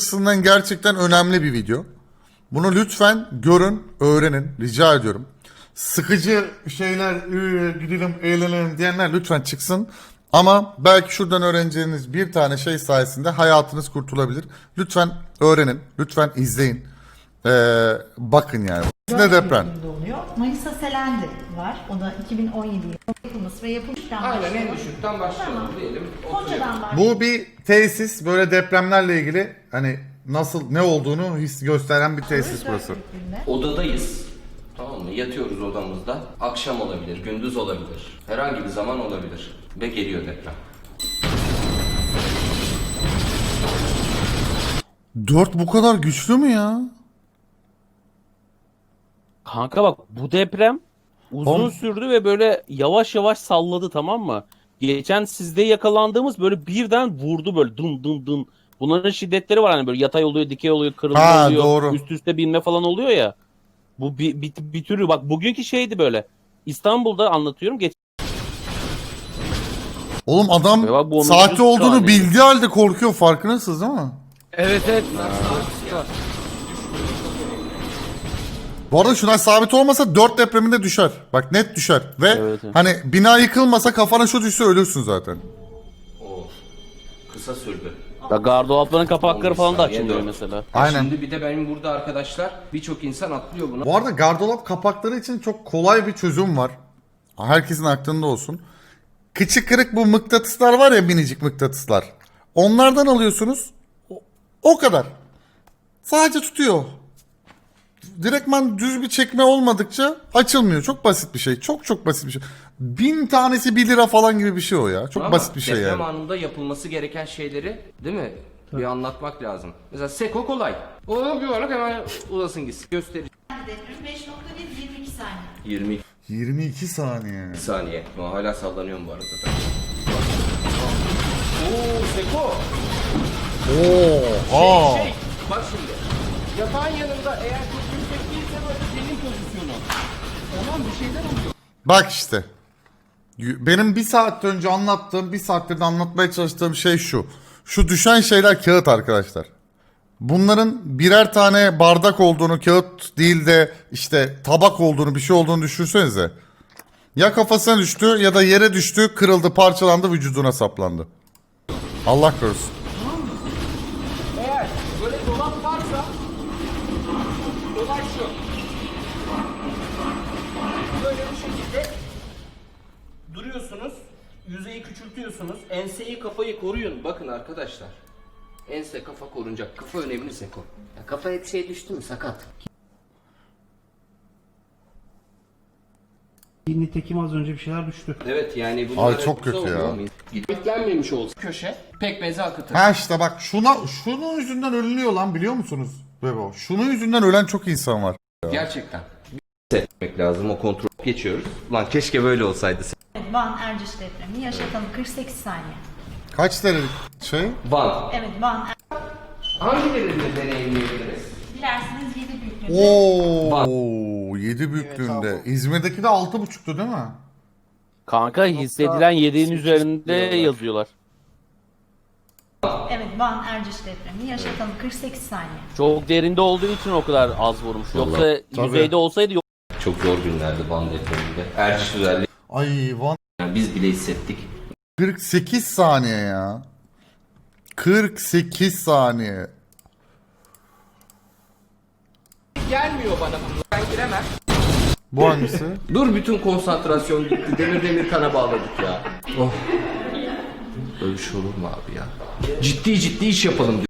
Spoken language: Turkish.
açısından gerçekten önemli bir video. Bunu lütfen görün, öğrenin. Rica ediyorum. Sıkıcı şeyler, gidelim, eğlenelim diyenler lütfen çıksın. Ama belki şuradan öğreneceğiniz bir tane şey sayesinde hayatınız kurtulabilir. Lütfen öğrenin, lütfen izleyin. Bakın yani. Ne deprem? Oluyor. Manisa Selendi var. O da 2017 yılında yapılması ve yapılmıştan Aynen en düşükten başlayalım Tamam. diyelim. Foça'dan var. Bu bir tesis, böyle depremlerle ilgili hani nasıl, ne olduğunu gösteren bir tesis burası. Odadayız. Tamam mı? Yatıyoruz odamızda. Akşam olabilir, gündüz olabilir. Herhangi bir zaman olabilir. Ve geliyor deprem. 4 bu kadar güçlü mü ya? Kanka bak bu deprem uzun sürdü ve böyle yavaş yavaş salladı, tamam mı? Geçen sizde yakalandığımız böyle birden vurdu, böyle dın dın dın. Bunların şiddetleri var, hani böyle yatay oluyor, dikey oluyor, kırılma Ha, oluyor, doğru. üst üste binme falan oluyor ya. Bu bir türü, bak bugünkü şeydi böyle. İstanbul'da anlatıyorum. Oğlum adam Ya bak bu 10. saati olduğunu saniye. bildiği halde korkuyor, farkındasınız değil mi? Evet. Bu arada şuna sabit olmasa 4 depreminde düşer. Bak net düşer. Ve Evet. hani bina yıkılmasa kafana şu düşse ölürsün zaten. Oo. Kısa sürdü. Ya gardıropların kapakları 15 falan da saniye açılmıyor dört. mesela. Aynen. Şimdi bir de benim burada arkadaşlar birçok insan atlıyor buna. Bu arada gardırop kapakları için çok kolay bir çözüm var. Herkesin aklında olsun. Kıçı kırık bu mıknatıslar var ya, minicik mıknatıslar. Onlardan alıyorsunuz. O kadar. Sadece tutuyor. Direktman düz bir çekme olmadıkça açılmıyor. Çok basit bir şey. Çok basit bir şey. 1000 tanesi 1 lira falan gibi bir şey o ya. Çok Ama basit bir şey deprem yani. anında yapılması gereken şeyleri değil mi? Bir anlatmak lazım. Mesela seko kolay. Onu bir olarak hemen uzasın gitsin. Göstereceğim. Deprem 5.1 22 saniye. 22 22 saniye. saniye. Ama hala sallanıyorum bu arada da. Oo seko. Oha. Bak şimdi. Yatağın yanında eğer çok yüksek değilse böyle senin pozisyonu. Tamam bir şeyler oluyor. Bak işte. Benim bir saat önce anlattığım, bir saattir de anlatmaya çalıştığım şey şu. Şu düşen şeyler kağıt arkadaşlar. Bunların birer tane bardak olduğunu, kağıt değil de işte tabak olduğunu, bir şey olduğunu düşünsenize. Ya kafasına düştü ya da yere düştü, kırıldı, parçalandı, vücuduna saplandı. Allah korusun. Eğer böyle dolap varsa olay şu. Böyle bu şekilde duruyorsunuz. Yüzeyi küçültüyorsunuz. Enseyi, kafayı koruyun. Bakın arkadaşlar. Ense, kafa korunacak. Kafa önemli seko. Ya kafaya bir şey düştü mü sakat. Nitekim az önce bir şeyler düştü. Evet yani bunlar Ay, çok kötü ya. Gitlenmemiş olsa köşe pekmezi akıtır. Ha işte bak şunun yüzünden ölünüyor lan, biliyor musunuz? Bebo. Şunun yüzünden ölen çok insan var. Gerçekten. Etmek lazım, o kontrol geçiyoruz. Lan keşke böyle olsaydı. Evet, Van Erciş depremi yaşatalım 48 saniye. Kaç derecelik şey? Van. Evet Van Hangilerini deneyimleyebiliriz? dilerseniz 7 büyüklüğünde. Oo, 7 büyüklüğünde. İzmir'deki de 6,5'tu değil mi? Kanka hissedilen 7'nin üzerinde yazıyorlar. Evet Van Erciş depremi yaşatalım 48 saniye. Çok derinde olduğu için o kadar az vurmuş. Yoksa Tabii. yüzeyde olsaydı yok. Çok zor günlerdi Van depreminde. Erciş özelliği. Ay Van Yani biz bile hissettik. 48 saniye ya. 48 saniye. Gelmiyor bana bunu. Ben giremem. Bu hangisi? Dur bütün konsantrasyon gitti. Demir kana bağladık ya. Oh. Böyle bir şey olur mu abi ya? Ciddi iş yapalım diyor.